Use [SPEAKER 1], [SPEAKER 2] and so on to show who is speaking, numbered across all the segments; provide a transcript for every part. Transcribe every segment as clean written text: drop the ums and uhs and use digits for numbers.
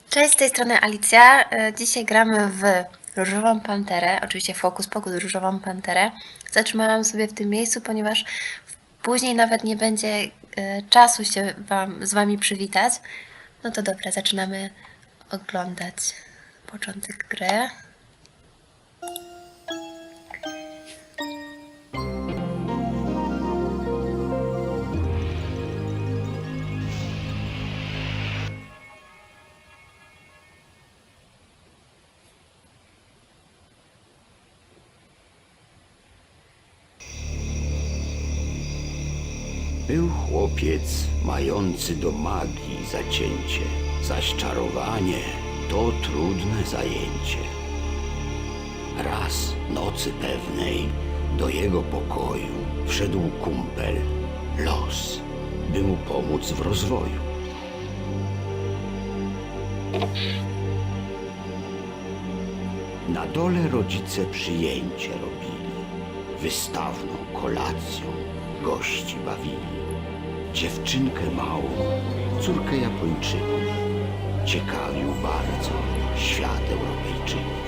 [SPEAKER 1] Cześć, z tej strony Alicja. Dzisiaj gramy w Różową Panterę, oczywiście Fokus Pokus Różową Panterę. Zatrzymałam sobie w tym miejscu, ponieważ później nawet nie będzie czasu się z Wami przywitać. No to dobra, zaczynamy oglądać początek gry.
[SPEAKER 2] Był chłopiec mający do magii zacięcie, zaś czarowanie to trudne zajęcie. Raz nocy pewnej do jego pokoju wszedł kumpel Los, by mu pomóc w rozwoju. Na dole rodzice przyjęcie robili, wystawną kolacją gości bawili. Dziewczynkę małą, córkę Japończyków, ciekawił bardzo świat Europejczyków.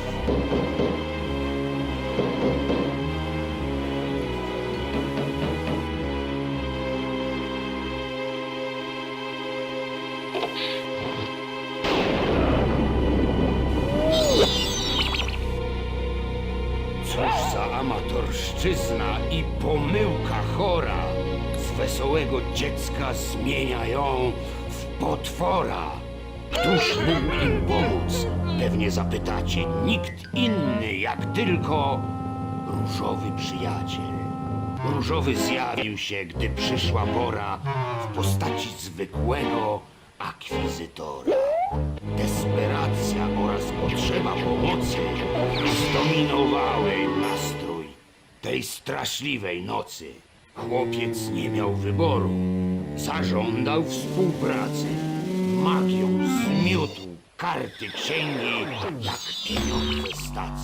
[SPEAKER 2] Cóż za amatorszczyzna i pomyłka chora! Z wesołego dziecka zmienia ją w potwora. Któż mógł im pomóc? Pewnie zapytacie, nikt inny jak tylko różowy przyjaciel. Różowy zjawił się, gdy przyszła pora, w postaci zwykłego akwizytora. Desperacja oraz potrzeba pomocy zdominowały nastrój tej straszliwej nocy. Chłopiec nie miał wyboru. Zażądał współpracy. Magią zmiótł karty księgi jak pieniądze z tacy.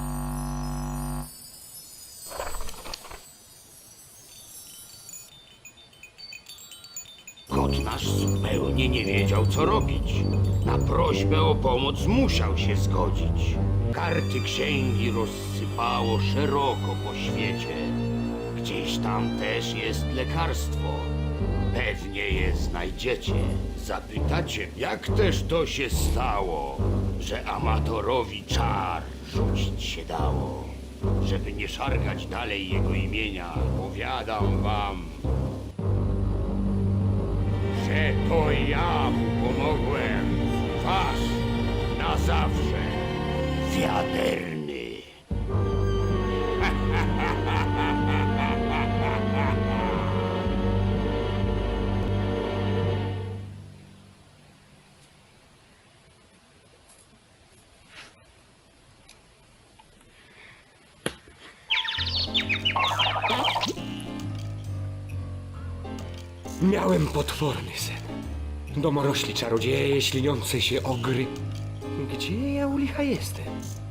[SPEAKER 2] Kot nasz zupełnie nie wiedział, co robić. Na prośbę o pomoc musiał się zgodzić. Karty księgi rozsypało szeroko po świecie. Gdzieś tam też jest lekarstwo. Pewnie je znajdziecie. Zapytacie, jak też to się stało, że amatorowi czar rzucić się dało. Żeby nie szargać dalej jego imienia, powiadam wam, że to ja mu pomogłem. Wasz na zawsze wiaderny.
[SPEAKER 3] Miałem potworny sen. Domorośli czarodzieje, śliniące się ogry. Gdzie ja u licha jestem?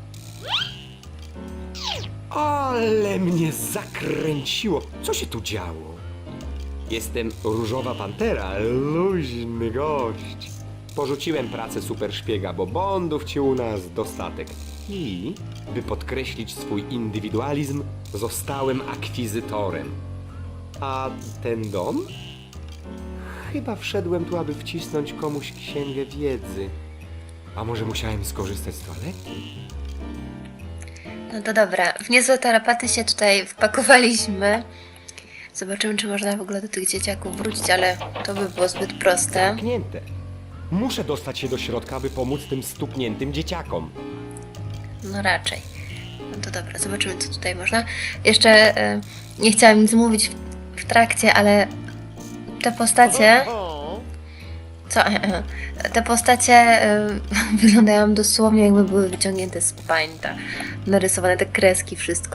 [SPEAKER 3] Ale mnie zakręciło. Co się tu działo? Jestem Różowa Pantera, luźny gość. Porzuciłem pracę superszpiega, bo bondów ci u nas dostatek. I, by podkreślić swój indywidualizm, zostałem akwizytorem. A ten dom? Chyba wszedłem tu, aby wcisnąć komuś księgę wiedzy. A może musiałem skorzystać z toalety?
[SPEAKER 1] No to dobra, w niezłe tarapaty się tutaj wpakowaliśmy. Zobaczymy, czy można w ogóle do tych dzieciaków wrócić, ale to by było zbyt proste.
[SPEAKER 3] Zamknięte. Muszę dostać się do środka, aby pomóc tym stukniętym dzieciakom.
[SPEAKER 1] No raczej. No to dobra, zobaczymy, co tutaj można. Jeszcze nie chciałam nic mówić w trakcie, ale te postacie... Co? Te postacie wyglądają dosłownie, jakby były wyciągnięte z painta. Narysowane te kreski, wszystko.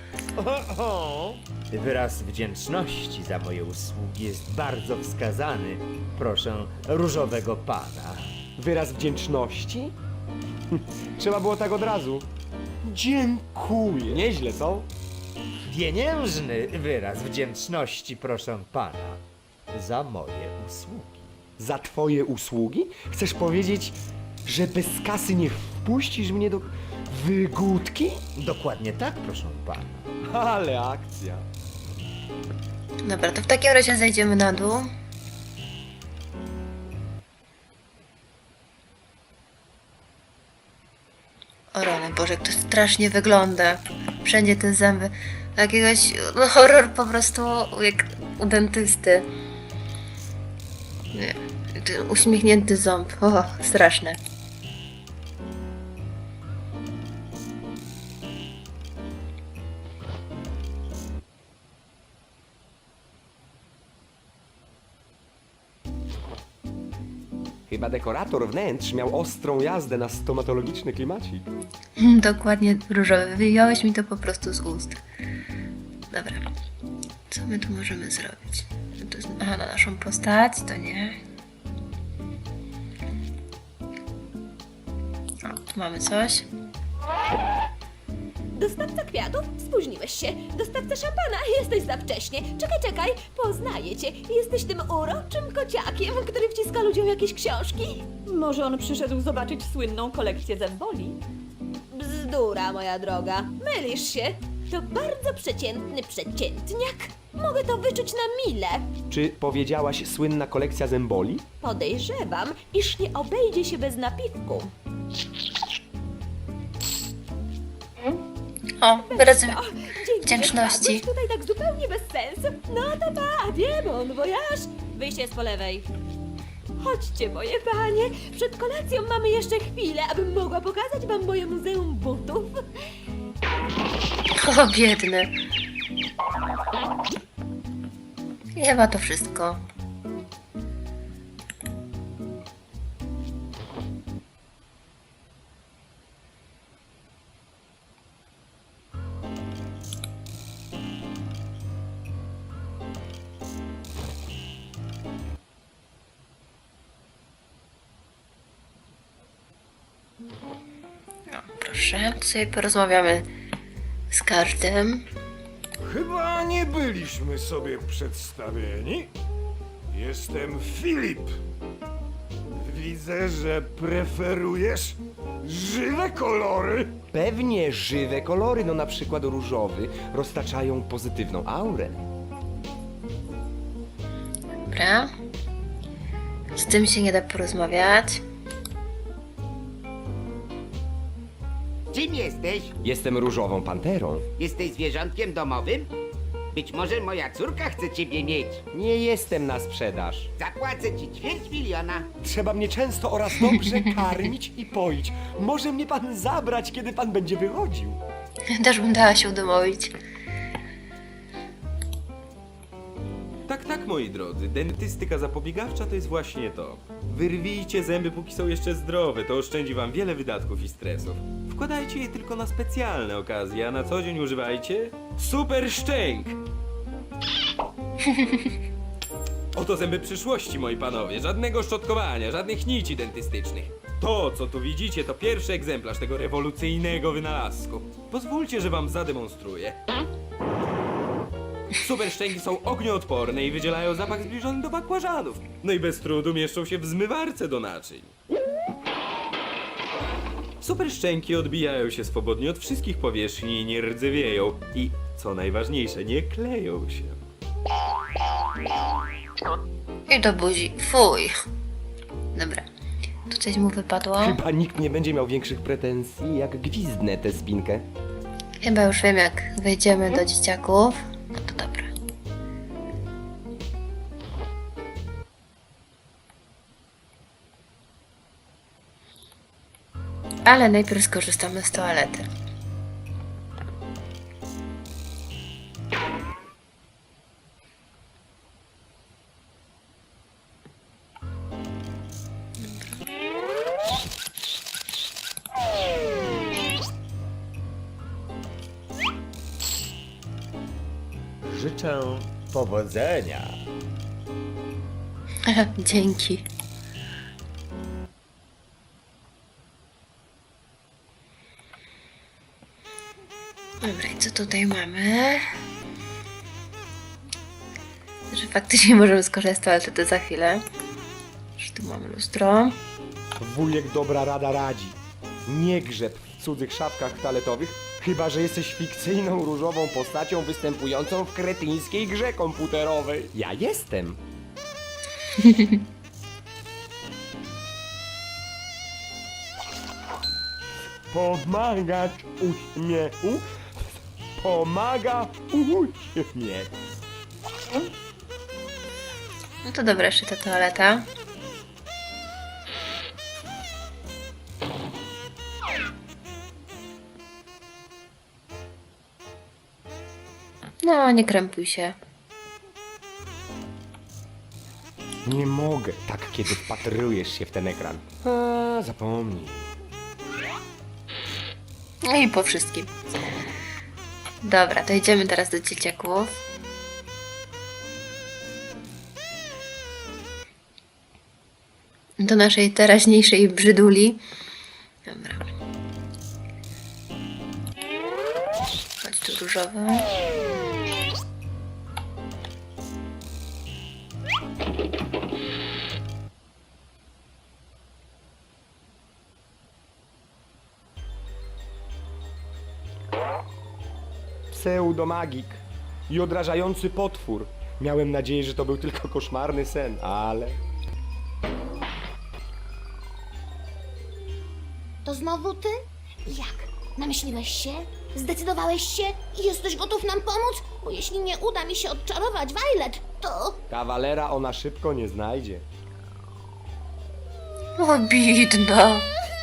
[SPEAKER 4] Wyraz wdzięczności za moje usługi jest bardzo wskazany. Proszę różowego pana.
[SPEAKER 3] Wyraz wdzięczności? Trzeba było tak od razu. Dziękuję. Nieźle, co?
[SPEAKER 4] Pieniężny wyraz wdzięczności, proszę pana, za moje usługi.
[SPEAKER 3] Za twoje usługi? Chcesz powiedzieć Że bez kasy nie wpuścisz mnie do wygódki?
[SPEAKER 4] Dokładnie tak, proszę pana.
[SPEAKER 3] Ale akcja.
[SPEAKER 1] Dobra, to w takim razie zejdziemy na dół. O rany, Boże, jak to strasznie wygląda. Wszędzie te zęby. Jakiegoś horror po prostu jak u dentysty. Nie, ten uśmiechnięty ząb. O, straszne.
[SPEAKER 3] Chyba dekorator wnętrz miał ostrą jazdę na stomatologiczny klimacik.
[SPEAKER 1] Dokładnie różowy. Wyjąłeś mi to po prostu z ust. Dobra. Co my tu możemy zrobić? To jest, aha, na naszą postać? To nie. O, tu mamy coś.
[SPEAKER 5] Dostawca kwiatów? Spóźniłeś się. Dostawca szampana? Jesteś za wcześnie. Czekaj, poznaję cię. Jesteś tym uroczym kociakiem, który wciska ludziom jakieś książki?
[SPEAKER 6] Może on przyszedł zobaczyć słynną kolekcję zemboli?
[SPEAKER 5] Bzdura, moja droga. Mylisz się. To bardzo przeciętny przeciętniak. Mogę to wyczuć na mile.
[SPEAKER 3] Czy powiedziałaś słynna kolekcja zemboli?
[SPEAKER 5] Podejrzewam, iż nie obejdzie się bez napiwku.
[SPEAKER 1] O, wyrazy
[SPEAKER 5] O, dzięki,
[SPEAKER 1] wdzięczności.
[SPEAKER 5] że wpadłeś tutaj tak zupełnie bez sensu. No to pa, bon voyage. Wyjście z po lewej. Chodźcie, moje panie. Przed kolacją mamy jeszcze chwilę, abym mogła pokazać wam moje muzeum butów.
[SPEAKER 1] O, biedny. I chyba to wszystko. No, proszę, tu sobie porozmawiamy z każdym.
[SPEAKER 7] Chyba nie byliśmy sobie przedstawieni. Jestem Filip. Widzę, że preferujesz żywe kolory.
[SPEAKER 3] Pewnie żywe kolory, no na przykład różowy, roztaczają pozytywną aurę.
[SPEAKER 1] Dobra. Z tym się nie da porozmawiać.
[SPEAKER 2] Czym jesteś?
[SPEAKER 3] Jestem różową panterą.
[SPEAKER 2] Jesteś zwierzątkiem domowym? Być może moja córka chce ciebie mieć.
[SPEAKER 3] Nie jestem na sprzedaż.
[SPEAKER 2] Zapłacę ci 250 000.
[SPEAKER 3] Trzeba mnie często oraz dobrze karmić i poić. Może mnie pan zabrać, kiedy pan będzie wychodził.
[SPEAKER 1] Też bym dała się udomowić.
[SPEAKER 8] Tak, moi drodzy, dentystyka zapobiegawcza to jest właśnie to. Wyrwijcie zęby, póki są jeszcze zdrowe, to oszczędzi wam wiele wydatków i stresów. Wkładajcie je tylko na specjalne okazje, a na co dzień używajcie Super Szczęk! Oto zęby przyszłości, moi panowie. Żadnego szczotkowania, żadnych nici dentystycznych. To, co tu widzicie, to pierwszy egzemplarz tego rewolucyjnego wynalazku. Pozwólcie, że wam zademonstruję. Super szczęki są ognioodporne i wydzielają zapach zbliżony do bakłażanów. No i bez trudu mieszczą się w zmywarce do naczyń. Super szczęki odbijają się swobodnie od wszystkich powierzchni i nie rdzewieją. I, co najważniejsze, nie kleją się.
[SPEAKER 1] I do buzi. Fuj. Dobra. Tu coś mu wypadło.
[SPEAKER 3] Chyba nikt nie będzie miał większych pretensji, jak gwizdnę tę spinkę.
[SPEAKER 1] Chyba już wiem, jak wejdziemy do dzieciaków. No to dobra. Ale najpierw skorzystamy z toalety.
[SPEAKER 4] Życzę powodzenia.
[SPEAKER 1] Dzięki. Dobra, i co tutaj mamy? Że faktycznie możemy skorzystać, ale to za chwilę. Że tu Tu mamy lustro.
[SPEAKER 3] Wujek dobra rada radzi. Nie grzeb w cudzych szafkach toaletowych, chyba że jesteś fikcyjną różową postacią występującą w kretyńskiej grze komputerowej. Ja jestem. Pomagać uśmiechu pomaga uśmiech.
[SPEAKER 1] No to dobra, jeszcze ta toaleta. No, nie krępuj się.
[SPEAKER 3] Nie mogę tak, kiedy wpatrujesz się w ten ekran. A, zapomnij.
[SPEAKER 1] No i po wszystkim. Dobra, to idziemy teraz do dzieciaków. Do naszej teraźniejszej brzyduli. Dobra. Chodź tu różowy.
[SPEAKER 3] Pseudomagik i odrażający potwór. Miałem nadzieję, że to był tylko koszmarny sen, ale...
[SPEAKER 9] To znowu ty? Jak? Namyśliłeś się? Zdecydowałeś się i jesteś gotów nam pomóc? Bo jeśli nie uda mi się odczarować Violet, to...
[SPEAKER 3] Kawalera ona szybko nie znajdzie.
[SPEAKER 1] O, bidna.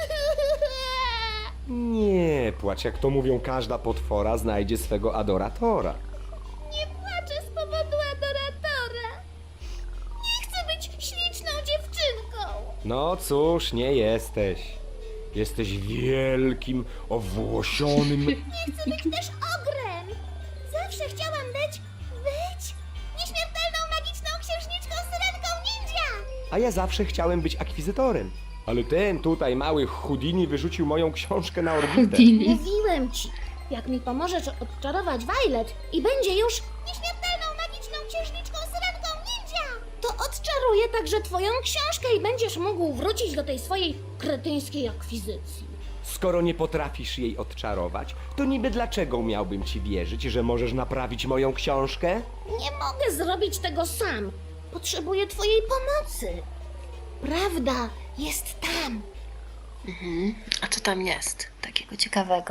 [SPEAKER 3] Nie płacz, jak to mówią, każda potwora znajdzie swego adoratora.
[SPEAKER 9] Nie płaczę z powodu adoratora. Nie chcę być śliczną dziewczynką.
[SPEAKER 3] No cóż, nie jesteś. Jesteś wielkim, owłosionym...
[SPEAKER 9] Nie chcę być też ogrem. Zawsze chciałam być nieśmiertelną magiczną księżniczką syrenką ninja.
[SPEAKER 3] A ja zawsze chciałem być akwizytorem. Ale ten tutaj mały Houdini wyrzucił moją książkę na orbitę.
[SPEAKER 9] Mówiłem ci, jak mi pomożesz odczarować Violet i będzie już nieśmiertelną magiczną księżniczką syrenką ninja, to odczaruję także twoją książkę i będziesz mógł wrócić do tej swojej kretyńskiej akwizycji.
[SPEAKER 3] Skoro nie potrafisz jej odczarować, to niby dlaczego miałbym ci wierzyć, że możesz naprawić moją książkę?
[SPEAKER 9] Nie mogę zrobić tego sam. Potrzebuję twojej pomocy. Prawda jest tam.
[SPEAKER 1] A co tam jest takiego ciekawego?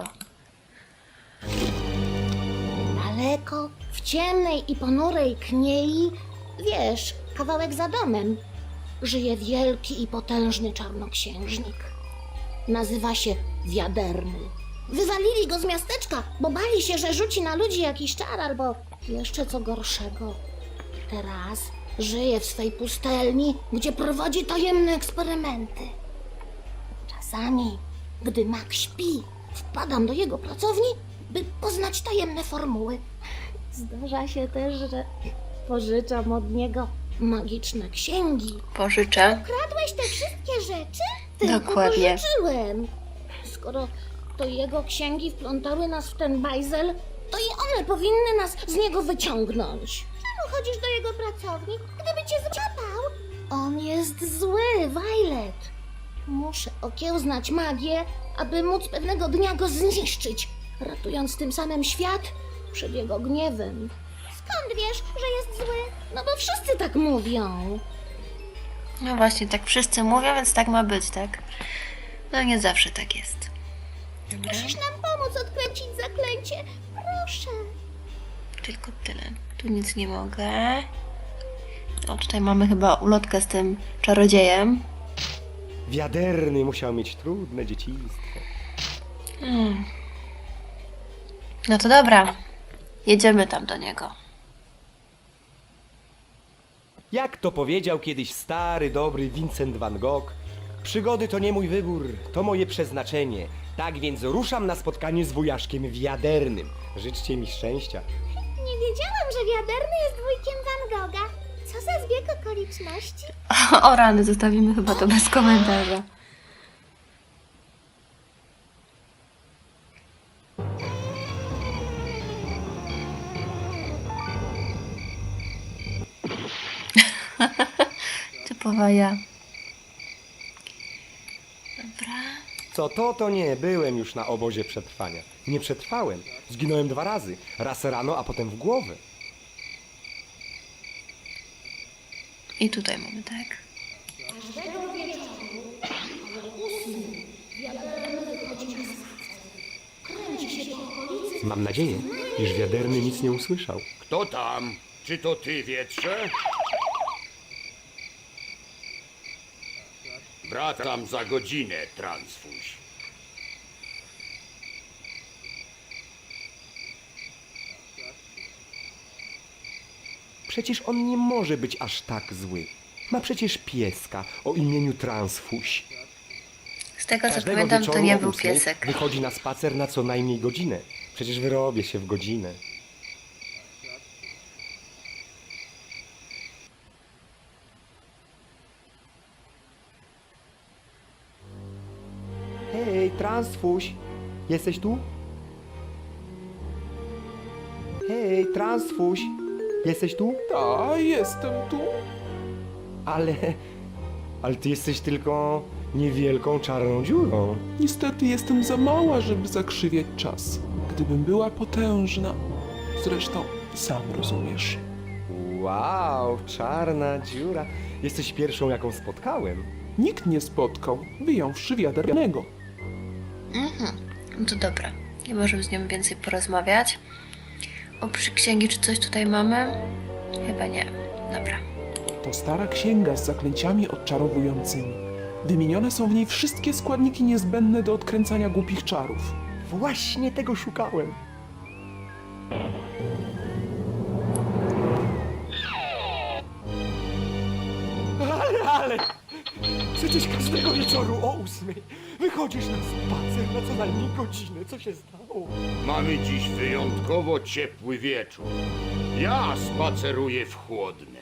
[SPEAKER 9] Daleko, w ciemnej i ponurej kniei, wiesz, kawałek za domem, żyje wielki i potężny czarnoksiężnik. Nazywa się Wiaderny. Wywalili go z miasteczka, bo bali się, że rzuci na ludzi jakiś czar albo jeszcze co gorszego. Teraz żyje w swej pustelni, gdzie prowadzi tajemne eksperymenty. Czasami, gdy mak śpi, wpadam do jego pracowni, by poznać tajemne formuły. Zdarza się też, że pożyczam od niego magiczne księgi.
[SPEAKER 1] Pożyczę.
[SPEAKER 9] Kradłeś te wszystkie rzeczy? Tylko
[SPEAKER 1] Dokładnie.
[SPEAKER 9] pożyczyłem. Skoro to jego księgi wplątały nas w ten bajzel, to i one powinny nas z niego wyciągnąć. Czemu chodzisz do jego pracowni, gdyby cię złapał? On jest zły, Violet. Muszę okiełznać magię, aby móc pewnego dnia go zniszczyć, ratując tym samym świat przed jego gniewem. Skąd wiesz, że jest zły? No bo wszyscy tak mówią.
[SPEAKER 1] No właśnie, tak wszyscy mówią, więc tak ma być, tak? No nie zawsze tak jest. Dobra,
[SPEAKER 9] Musisz nam pomóc odkręcić zaklęcie. Proszę.
[SPEAKER 1] tylko tyle. Tu nic nie mogę. O, tutaj mamy chyba ulotkę z tym czarodziejem.
[SPEAKER 3] Wiaderny musiał mieć trudne dzieciństwo.
[SPEAKER 1] No to dobra. Jedziemy tam do niego.
[SPEAKER 3] Jak to powiedział kiedyś stary, dobry Vincent van Gogh, przygody to nie mój wybór, to moje przeznaczenie. Tak więc ruszam na spotkanie z wujaszkiem Wiadernym. Życzcie mi szczęścia.
[SPEAKER 9] Nie wiedziałam, że Wiaderny jest wujkiem Van Gogha. Co za zbieg okoliczności.
[SPEAKER 1] O rany, zostawimy chyba to bez komentarza. Typowa ja. Dobra.
[SPEAKER 3] Co to nie, byłem już na obozie przetrwania. Nie przetrwałem. Zginąłem 2 razy. Raz rano, a potem w głowę.
[SPEAKER 1] I tutaj mamy, tak?
[SPEAKER 3] Mam nadzieję, iż wiaderny nic nie usłyszał.
[SPEAKER 2] Kto tam? Czy to ty, wietrze? Wracam za godzinę, transfuś.
[SPEAKER 3] Przecież on nie może być aż tak zły. Ma przecież pieska o imieniu Transfuś.
[SPEAKER 1] Z tego co
[SPEAKER 3] Każdego
[SPEAKER 1] pamiętam, to
[SPEAKER 3] wieczoru
[SPEAKER 1] nie
[SPEAKER 3] o
[SPEAKER 1] był
[SPEAKER 3] 8
[SPEAKER 1] piesek.
[SPEAKER 3] wychodzi na spacer na co najmniej godzinę. Przecież wyrobię się w godzinę. Hej, Transfuś! Jesteś tu? Hej, Transfuś! Jesteś tu?
[SPEAKER 10] Tak, jestem tu.
[SPEAKER 3] Ale ty jesteś tylko niewielką czarną dziurą.
[SPEAKER 10] Niestety jestem za mała, żeby zakrzywiać czas. Gdybym była potężna. Zresztą sam rozumiesz.
[SPEAKER 3] Wow, czarna dziura. Jesteś pierwszą, jaką spotkałem.
[SPEAKER 10] Nikt nie spotkał, wyjąwszy wiadernego.
[SPEAKER 1] No to dobra. Nie możemy z nią więcej porozmawiać. O przyksięgi, czy coś tutaj mamy? Chyba nie. Dobra.
[SPEAKER 10] To stara księga z zaklęciami odczarowującymi. Wymienione są w niej wszystkie składniki niezbędne do odkręcania głupich czarów.
[SPEAKER 3] Właśnie tego szukałem. Ale! Przecież każdego wieczoru o 8 wychodzisz na spacer na co najmniej godzinę. Co się stało?
[SPEAKER 2] Mamy dziś wyjątkowo ciepły wieczór. Ja spaceruję w chłodne.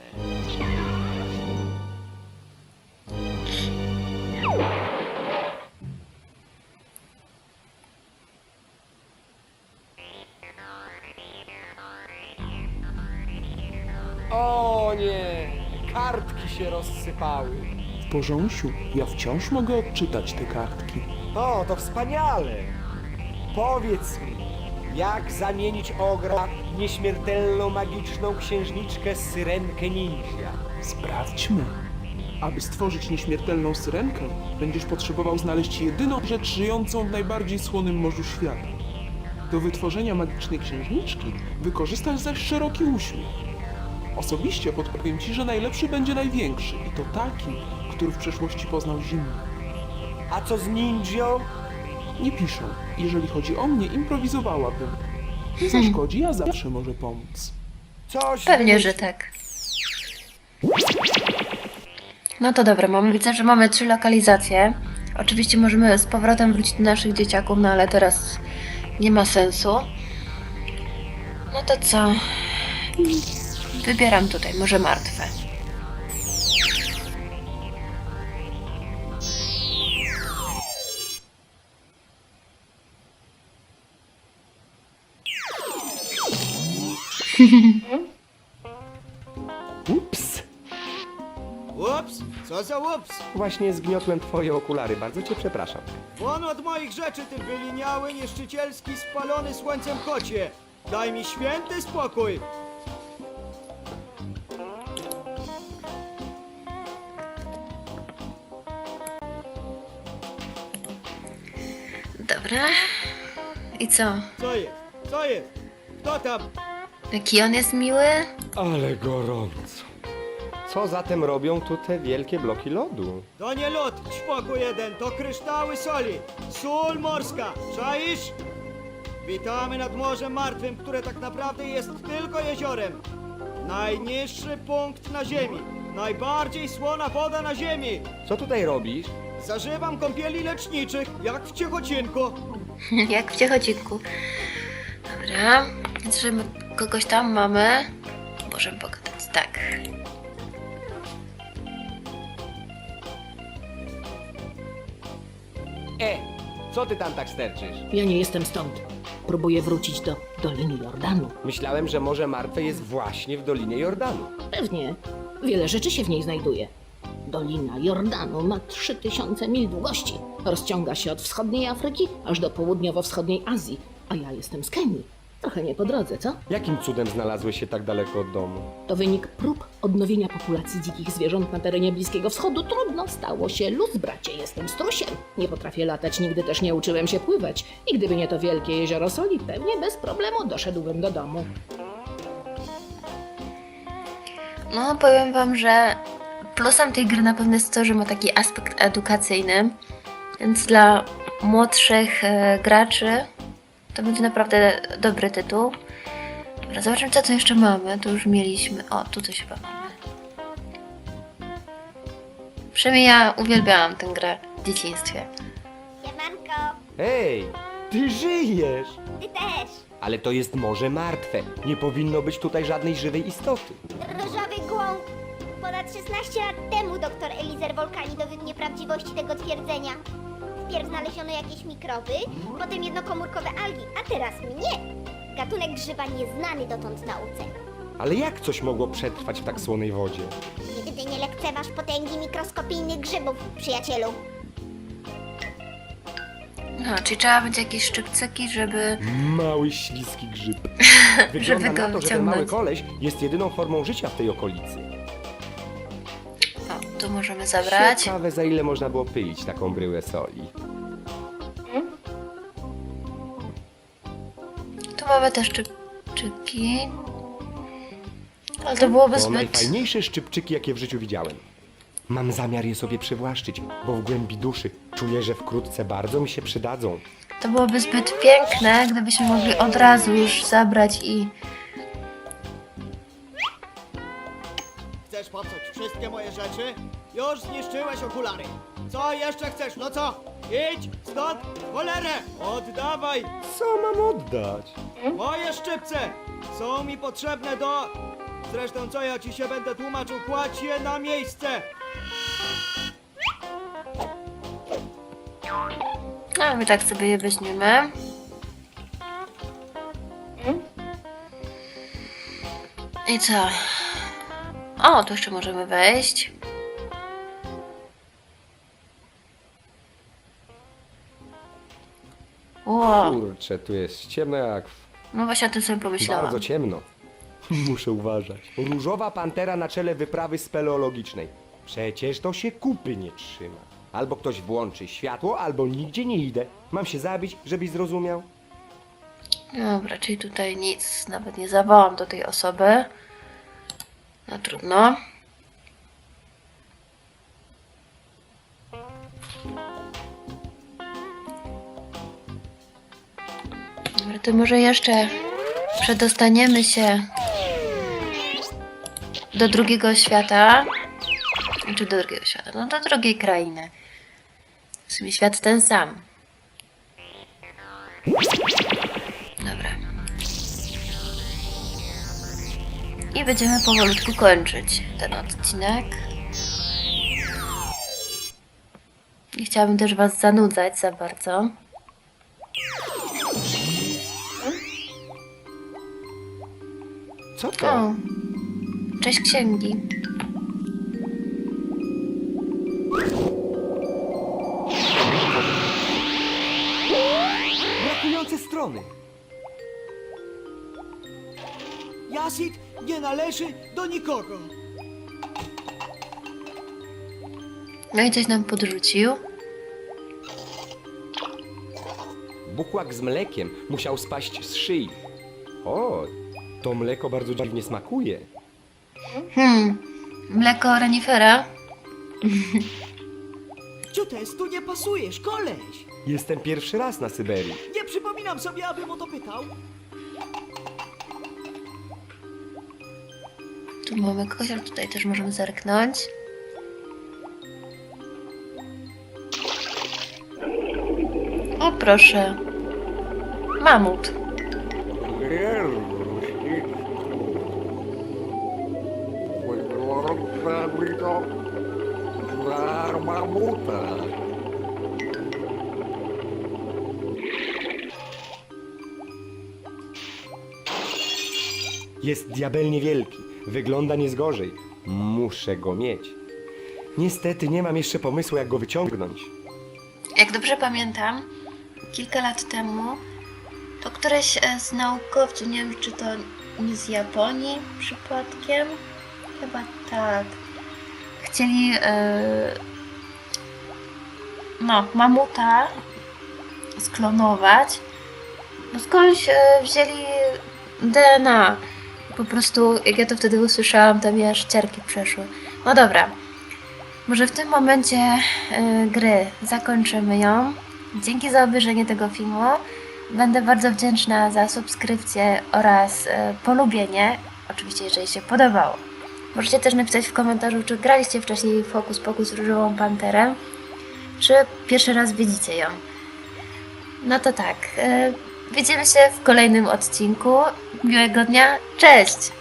[SPEAKER 3] O nie! Kartki się rozsypały.
[SPEAKER 10] W porząsiu, ja wciąż mogę odczytać te kartki.
[SPEAKER 3] O, to wspaniale! Powiedz mi, jak zamienić Ogra w nieśmiertelną magiczną księżniczkę Syrenkę Ninja?
[SPEAKER 10] Sprawdźmy. Aby stworzyć nieśmiertelną syrenkę, będziesz potrzebował znaleźć jedyną rzecz żyjącą w najbardziej słonym morzu świata. Do wytworzenia magicznej księżniczki wykorzystasz zaś szeroki uśmiech. Osobiście podpowiem ci, że najlepszy będzie największy i to taki, który w przeszłości poznał zimno.
[SPEAKER 3] A co z ninją?
[SPEAKER 10] Nie piszę. Jeżeli chodzi o mnie, improwizowałabym. Nie zaszkodzi, a zawsze może pomóc.
[SPEAKER 3] Coś
[SPEAKER 1] Pewnie, że tak. No to dobra, widzę, że mamy 3 lokalizacje. Oczywiście możemy z powrotem wrócić do naszych dzieciaków, no ale teraz nie ma sensu. No to co? Wybieram tutaj, może martwe.
[SPEAKER 3] Ups!
[SPEAKER 11] Ups, co za ups?
[SPEAKER 3] Właśnie zgniotłem twoje okulary, bardzo cię przepraszam.
[SPEAKER 11] Won od moich rzeczy, ty wyliniały, nieszczycielski, spalony słońcem kocie. Daj mi święty spokój.
[SPEAKER 1] Dobra. I co?
[SPEAKER 11] Co jest? Co jest? Kto tam?
[SPEAKER 1] Jaki on jest miły?
[SPEAKER 3] Ale gorąco. Co zatem robią tu te wielkie bloki lodu?
[SPEAKER 11] To nie lód, ćwoku jeden, to kryształy soli. Sól morska, czaisz? Witamy nad Morzem Martwym, które tak naprawdę jest tylko jeziorem. Najniższy punkt na ziemi. Najbardziej słona woda na ziemi.
[SPEAKER 3] Co tutaj robisz?
[SPEAKER 11] Zażywam kąpieli leczniczych, jak w Ciechocinku.
[SPEAKER 1] Jak w Ciechocinku. Dobra. Więc, że my kogoś tam mamy. Możemy pogadać, tak.
[SPEAKER 3] Co ty tam tak sterczysz?
[SPEAKER 12] Ja nie jestem stąd. Próbuję wrócić do Doliny Jordanu.
[SPEAKER 3] Myślałem, że Morze Martwe jest właśnie w Dolinie Jordanu.
[SPEAKER 12] Pewnie. Wiele rzeczy się w niej znajduje. Dolina Jordanu ma 3000 mil długości. Rozciąga się od wschodniej Afryki aż do południowo-wschodniej Azji, a ja jestem z Kenii. Trochę nie po drodze, co?
[SPEAKER 3] Jakim cudem znalazłeś się tak daleko od domu?
[SPEAKER 12] To wynik prób odnowienia populacji dzikich zwierząt na terenie Bliskiego Wschodu. Trudno, stało się luz, bracie, jestem strusiem. Nie potrafię latać, nigdy też nie uczyłem się pływać. I gdyby nie to wielkie jezioro soli, pewnie bez problemu doszedłbym do domu.
[SPEAKER 1] No, powiem wam, że plusem tej gry na pewno jest to, że ma taki aspekt edukacyjny, więc dla młodszych graczy to będzie naprawdę dobry tytuł. Dobra, zobaczymy, co tu jeszcze mamy. Tu już mieliśmy... O, tu coś chyba mamy. Przynajmniej ja uwielbiałam tę grę w dzieciństwie.
[SPEAKER 9] Siemanko,
[SPEAKER 3] Hej, ty żyjesz!
[SPEAKER 9] ty też.
[SPEAKER 3] Ale to jest morze martwe. Nie powinno być tutaj żadnej żywej istoty.
[SPEAKER 9] Różowy głąb. Ponad 16 lat temu doktor Elizer Volkani dowiódł nieprawdziwości tego twierdzenia. Wpierw znaleziono jakieś mikroby, potem jednokomórkowe algi, a teraz mnie. Gatunek grzyba nieznany dotąd nauce.
[SPEAKER 3] Ale jak coś mogło przetrwać w tak słonej wodzie?
[SPEAKER 9] Nigdy nie lekceważ potęgi mikroskopijnych grzybów, przyjacielu.
[SPEAKER 1] No, czyli trzeba będzie jakieś szczypcyki, żeby...
[SPEAKER 3] Mały, śliski grzyb.
[SPEAKER 1] Żeby
[SPEAKER 3] Wygląda
[SPEAKER 1] go
[SPEAKER 3] na to, że ten mały
[SPEAKER 1] wyciągnąć.
[SPEAKER 3] koleś jest jedyną formą życia w tej okolicy.
[SPEAKER 1] O, tu możemy zabrać.
[SPEAKER 3] Ciekawe, za ile można było pylić taką bryłę soli.
[SPEAKER 1] Tu mamy też szczypczyki. Ale to byłoby
[SPEAKER 3] To
[SPEAKER 1] zbyt...
[SPEAKER 3] najfajniejsze szczypczyki, jakie w życiu widziałem. Mam zamiar je sobie przywłaszczyć, bo w głębi duszy czuję, że wkrótce bardzo mi się przydadzą.
[SPEAKER 1] To byłoby zbyt piękne, gdybyśmy mogli od razu już zabrać i...
[SPEAKER 11] Chcesz popsuć wszystkie moje rzeczy? Już zniszczyłeś okulary. Co jeszcze chcesz? No co? Idź stąd, cholerę! Oddawaj!
[SPEAKER 3] Co mam oddać?
[SPEAKER 11] Moje szczypce są mi potrzebne do... Zresztą co ja ci się będę tłumaczył? Kładź je na miejsce!
[SPEAKER 1] A my tak sobie je weźmiemy. I co? O, tu jeszcze możemy wejść. Wow,
[SPEAKER 3] Kurczę, tu jest ciemno jak...
[SPEAKER 1] no właśnie o tym sobie pomyślałam.
[SPEAKER 3] Bardzo ciemno. Muszę uważać. Różowa pantera na czele wyprawy speleologicznej. Przecież to się kupy nie trzyma. Albo ktoś włączy światło, albo nigdzie nie idę. Mam się zabić, żebyś zrozumiał?
[SPEAKER 1] Dobra, czyli tutaj nic, nawet nie zawołam do tej osoby. No trudno. Dobra, to może jeszcze przedostaniemy się do drugiego świata. Znaczy do drugiego świata, no do drugiej krainy. W sumie świat ten sam. Dobra. I będziemy powolutku kończyć ten odcinek. Nie chciałabym też was zanudzać za bardzo.
[SPEAKER 3] Co to?
[SPEAKER 1] O, cześć księgi.
[SPEAKER 3] Brakujące strony.
[SPEAKER 11] Jasid nie należy do nikogo.
[SPEAKER 1] No i coś nam podrzucił.
[SPEAKER 3] Bukłak z mlekiem musiał spaść z szyi. O, to mleko bardzo dziwnie smakuje.
[SPEAKER 1] Mleko renifera.
[SPEAKER 11] Ciutes, tu nie pasujesz, koleś!
[SPEAKER 3] Jestem pierwszy raz na Syberii.
[SPEAKER 11] Nie przypominam sobie, abym o to pytał.
[SPEAKER 1] Tu mamy kogoś, ale tutaj też możemy zerknąć. O proszę. Mamut.
[SPEAKER 3] Jest diabelnie wielki. Wygląda nie z gorzej. Muszę go mieć. Niestety nie mam jeszcze pomysłu, jak go wyciągnąć.
[SPEAKER 1] Jak dobrze pamiętam, kilka lat temu to któreś z naukowców, nie wiem czy to nie z Japonii przypadkiem, chyba tak, chcieli mamuta sklonować, no skądś wzięli DNA. Po prostu, jak ja to wtedy usłyszałam, to mi aż ciarki przeszły. No dobra, może w tym momencie gry zakończymy ją. Dzięki za obejrzenie tego filmu. Będę bardzo wdzięczna za subskrypcję oraz polubienie, oczywiście jeżeli się podobało. Możecie też napisać w komentarzu, czy graliście wcześniej w Hokus Pokus Różową Panterę, czy pierwszy raz widzicie ją. No to tak, widzimy się w kolejnym odcinku. Miłego dnia, cześć!